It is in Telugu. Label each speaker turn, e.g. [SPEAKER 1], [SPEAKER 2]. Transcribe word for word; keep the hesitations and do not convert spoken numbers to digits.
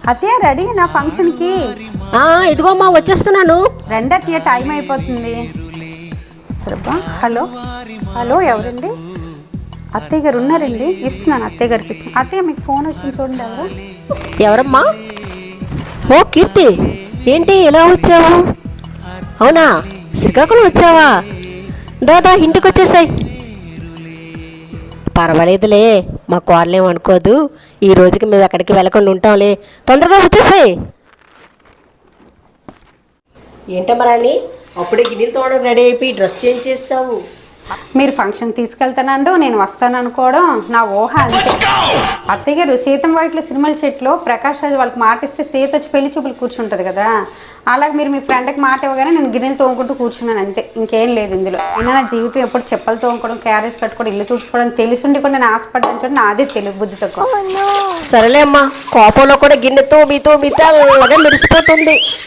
[SPEAKER 1] అత్తయ్య రెడీ నా ఫంక్షన్కి.
[SPEAKER 2] ఇదిగోమ్మా వచ్చేస్తున్నాను.
[SPEAKER 1] రండి అత్తయ్య, టైం అయిపోతుంది. సరేపా. హలో హలో ఎవరండి? అత్తయ్య గారు ఉన్నారండి, ఇస్తున్నాను అత్తయ్య గారికి ఇస్తున్నాను. అత్తయ్య మీకు ఫోన్ వచ్చింది చూడండి. ఎవరు?
[SPEAKER 2] ఎవరమ్మా? ఓ కీర్తి, ఏంటి ఎలా వచ్చావు? అవునా, శ్రీకాకుళం వచ్చావా? దాదా ఇంటికి వచ్చేసాయి. పర్వాలేదులే, మా కోడలేం అనుకోదు. ఈ రోజుకి మేము ఎక్కడికి వెళ్ళకుండా ఉంటాంలే. తొందరగా వచ్చేసాయి. ఏంటమ్మరాని, అప్పుడే గిన్నెలు తోడడం రెడీ అయిపోయి డ్రెస్ చేంజ్ చేసావు.
[SPEAKER 1] మీరు ఫంక్షన్ తీసుకెళ్తానండు, నేను వస్తాను అనుకోవడం నా ఊహ అంతే. అత్తయ్య గారు సీతం వైట్లో సినిమాల చెట్లు ప్రకాష్ రాజు వాళ్ళకి మాట ఇస్తే సీత వచ్చి పెళ్లి చూపులు కూర్చుంటుంది కదా, అలాగే మీరు మీ ఫ్రెండ్కి మాట ఇవ్వగానే నేను గిన్నెలు తోముకుంటూ కూర్చున్నాను అంతే, ఇంకేం లేదు ఇందులో. అయినా నా జీవితం ఎప్పుడు చెప్పలు తోముకోవడం, క్యారేజ్ కట్టుకోవడం, ఇల్లు తుడుచుకోవడం తెలిసిండి కూడా నేను ఆశపడ్డాను చూడండి. నాదే తెలుగు బుద్ధి తక్కువ.
[SPEAKER 2] సరేలే అమ్మా, కోపంలో కూడా గిన్నెతో మీతో మీతో అలాగే మెరిసిపోతుంది.